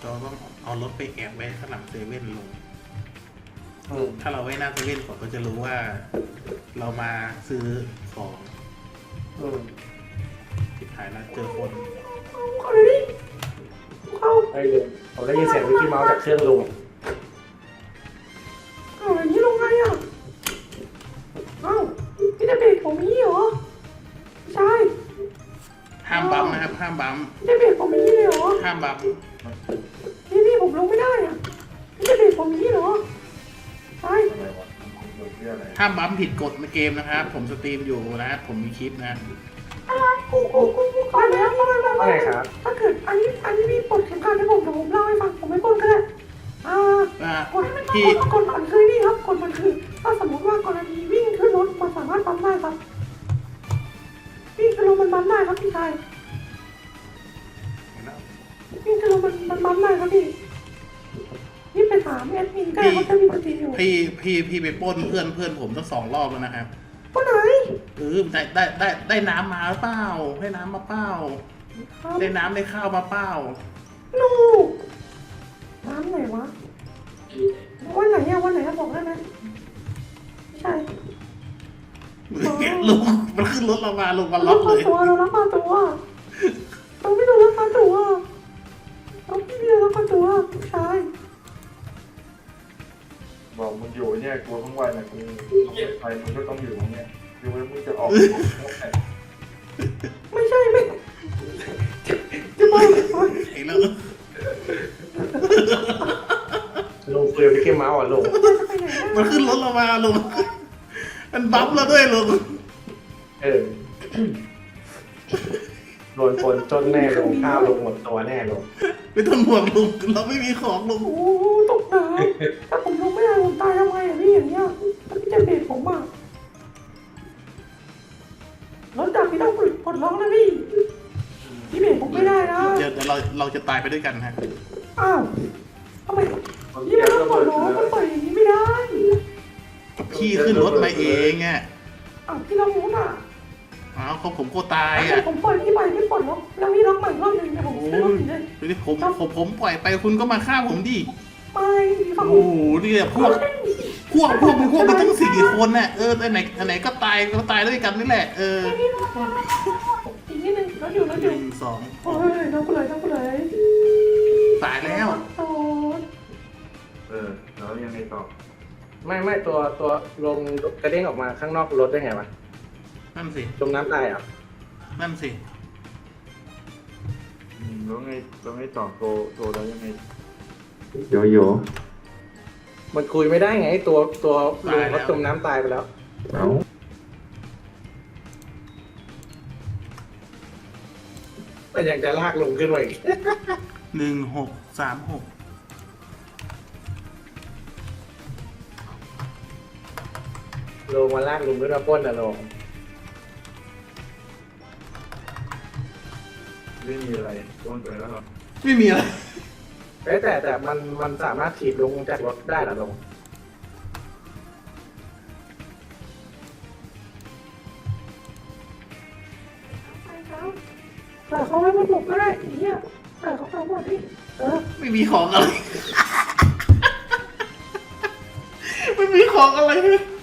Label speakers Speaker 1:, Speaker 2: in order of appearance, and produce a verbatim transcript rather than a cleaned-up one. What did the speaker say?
Speaker 1: เราต้องเอารถไปแอบไว้ข้างหลังเซเว่นลง
Speaker 2: อืม
Speaker 1: ถ้าเราไว้หน้าเซเว่นผมก็จะรู้ว่า เรามาซื้อของ
Speaker 2: อืม
Speaker 1: ทิดหายแล้วเจอคน
Speaker 3: เข้าเลยดิเข้า
Speaker 2: ไอ้ลุงผมได้ยินเสียงมิกกี้เมาส์จากเครื่องลุง
Speaker 3: เอาอย่างนี้ลงไงอ่ะเอ้าพี่จะเบรกผมนี้เหรอใช่
Speaker 1: ห้ามบัมป์นะครับห้ามบัมป์
Speaker 3: พี่จะเบรกผมนี้เลยเหรอ
Speaker 1: ห้ามบัมป์
Speaker 3: พี่พี่ผมลงไม่ได้อ่ะพี่จะเบรกผมนี้เหรอใช่
Speaker 4: อะไรวะมันเรื่องอะไร
Speaker 1: ห้ามบัมป์ผิดกฎในเกมนะครับผมสตรีมอยู่นะผมมีคลิปนะ
Speaker 3: อะไรกูกูกูกูไปแล้วไปแล้ว
Speaker 2: ว่าไงครับ
Speaker 3: ถ้าเกิดอันนี้อันนี้พี่ปลดเข็มขัดให้ผมเดี๋ยวผมเล่าให้ฟังผมไม่ปลดก็ได้อ่า
Speaker 1: อ่าก
Speaker 3: ฎ
Speaker 1: พี่
Speaker 3: กฎมันคือนี่ครับกฎมันคือ ถ้าสมมติว่ากรณีวิ่งขึ้นรถมันสามารถปั๊มได้ครับวิ่งขึ้นรถมันปั๊มได้ครับพี่ชายวิ่งขึ้นรถมันมันปั๊มได้ครับพี่นี่ไปถามแอดมินก็ได้เขาจะมีปฏิอยู่
Speaker 1: พี่พี่พี่ไปปล้นเพื่อนเพื่อนผมตั้งสองรอบแล้วนะครับ
Speaker 3: คนไหน
Speaker 1: เออได้ได้ได้ได้น้ำมาหรือเปล่าให้น้ำมาเปล่า
Speaker 3: ครับ
Speaker 1: ได้น้ำได้ข้าวมาเปล่า
Speaker 3: ลูกน้ำไหนวะวันไหนอะวันไหนอะบอกได้ไหมไม่ใช่
Speaker 1: ลุงมันขึ้นรถเรามาลุงมาล็
Speaker 3: เรา
Speaker 1: อก
Speaker 3: พา
Speaker 1: เลย
Speaker 3: ตัวเรารับพาตัวเราไม่โดนรับพาตัวเราพี่เบียร์รับพาตัวผู้ชาย
Speaker 4: บอกมึงอยู่เนี่ยกลัวทั้งวันนะกูไปมึงก็ต้องอยู่เนี่ยอยู่แล้วมึงจะออก
Speaker 3: ไม่ใช่ไม่จะไป
Speaker 1: ไอ้เรื่อง
Speaker 2: ลุงคุยกับมิกกี้เมาส์อ่ะลุง
Speaker 3: จะไปไหน
Speaker 1: มันขึ้นรถเรามาลุงมันบัฟเราด้วยลุง
Speaker 2: เออโดนคนจนแน่ลุงข้าวลุงหมดตัวแน่ลุง
Speaker 1: ไม่ต้องห่วงลุงเราไม่มีของลุง
Speaker 3: โอ้ตกน้ำถ้าผมลงไม่ได้ผมตายทำไงอ่ะพี่อย่างเงี้ยถ้าพี่จะเบรกผมอ่ะรถดับพี่ต้องปลดล็อกนะพี่พี่เบรกผมไม่ได้นะ
Speaker 1: เดี๋ยวเดี๋ยวเราเราจะตายไปด้วยกันฮะ
Speaker 3: อ้าวทำไมพี่ไม่ต้องปลดล็อกมันปล่อยอย่างนี้ไม่ได้
Speaker 1: พี่ขึ้นรถมาเองอ่ะ
Speaker 3: อ้าวพี่ล็อกรถอ่ะ
Speaker 1: อ้าวเขาผมก็ตายอ่ะ
Speaker 3: ผมปล่อยพี่ไปพี่ปลดล็อกแล้วพี่ล็อกใหม่รอบหนึ่งเดี๋ยวผม
Speaker 1: โอ้
Speaker 3: ซื้อรถ
Speaker 1: ย
Speaker 3: อีกเลย
Speaker 1: เดี๋ยวผมผมผมปล่อยไปคุณก็มาฆ่าผมดิ
Speaker 3: ไม่พี่ฟังผ
Speaker 1: โอ้
Speaker 3: ม
Speaker 1: โหเนี่ยพวกพวกพวกพวกมันตั้งสี่คนน่ะเอออันไหนอันไหนก็ตายก็ตายด้วยกันนี่แหละเออ
Speaker 3: อีกนิดนึงรถอยู่รถ
Speaker 1: ห
Speaker 3: อยู่
Speaker 1: นึ่งสอง
Speaker 3: โอ้ยน้องกูเลยน้องกูเลย
Speaker 1: ตายแล้ว
Speaker 3: โอ้ย
Speaker 4: เออแล้วยังไงต่อ
Speaker 2: ไม่ไม่ตัวตัวลงกระเด้งออกมาข้างนอกรถได้ไงวะ
Speaker 1: นั่นสิ
Speaker 2: จมน้ำตายอ่ะ
Speaker 1: นั่นสิ
Speaker 4: อืมแล้วไงแล้วไงต่อโตโตแล้วยังไง
Speaker 5: โยโย่
Speaker 2: มันคุยไม่ได้ไงตัวตัวลุงเขาจมน้ำตายไปแล้ว
Speaker 5: เอ้า
Speaker 2: แต่ยังจะลากลุงขึ้นมาอีก
Speaker 1: หนึ่งหกสามหก
Speaker 2: ลงมาลากลุงขึ้นมาปล้นอะลง
Speaker 4: ไม่มีอะไรต้นไปแล้วเหรอ
Speaker 1: ไม่มีอะไร
Speaker 2: เอ้ยแต่แต่มันมันสามารถถีบลุงจากรถได้เหรอลง
Speaker 3: ไปครับแต่เขาไม่มาปลุกก็ได้ไอ้เหี้ยแต่เขาเอาหมดพี่เออ
Speaker 1: ไม่มีของอะไร ไม่มีของอะไรเลย